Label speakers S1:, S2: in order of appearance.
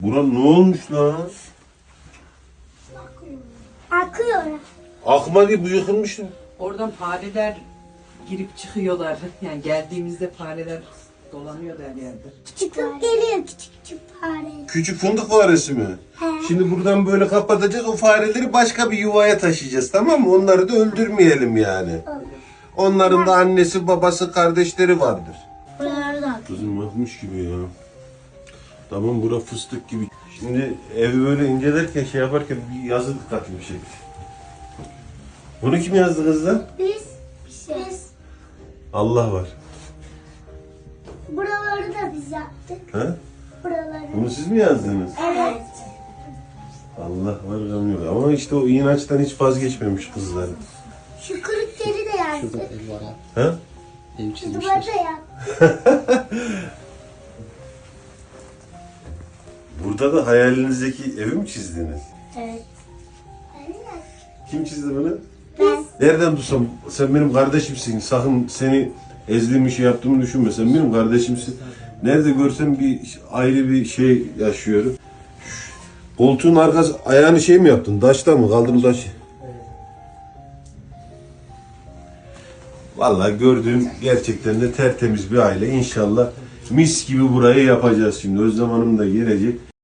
S1: Buran ne olmuş lan?
S2: Akıyor.
S1: Akma değil, bu yıkılmış mı?
S3: Oradan fareler girip çıkıyorlar. Yani geldiğimizde fareler dolanıyor her yerde.
S2: Küçük geliyor küçük fare.
S1: Küçük fındık faresi mi?
S2: He.
S1: Şimdi buradan böyle kapatacağız. O fareleri başka bir yuvaya taşıyacağız, tamam mı? Onları da öldürmeyelim yani.
S2: Olur.
S1: Onların da annesi, babası, kardeşleri vardır.
S2: Buraları da akıyor.
S1: Kızım bakmış gibi ya. Tamam, bura fıstık gibi. Şimdi evi böyle incelerken, şey yaparken bir yazı dikkatimi çekti. Bunu kim yazdı kızlar?
S2: Biz
S1: Allah var.
S2: buraları da biz yaptık.
S1: Ha?
S2: Buraları.
S1: Bunu siz mi yazdınız?
S2: Evet.
S1: Allah var, gam yok. Ama işte o inançtan hiç vazgeçmemiş kızlar.
S2: Şu kırıkları da yazdık.
S4: Ev var ha.
S1: Ha?
S4: Ev
S2: Şu duvarı
S4: çizmişler.
S2: da yaptık.
S1: Burada da hayalinizdeki evi mi çizdiniz?
S2: Evet.
S1: Kim çizdi bunu?
S2: Ben.
S1: Nereden tutsam? Sen benim kardeşimsin. Sakın seni ezdiğimi, şey yaptığımı düşünme. Sen benim kardeşimsin. Nerede görsem bir ayrı bir şey yaşıyorum. Koltuğun arkası, ayağını şey mi yaptın? Taşta mı? Kaldırım taş. Vallahi gördüğüm gerçekten de tertemiz bir aile. İnşallah mis gibi burayı yapacağız şimdi. Özlem Hanım da gelecek.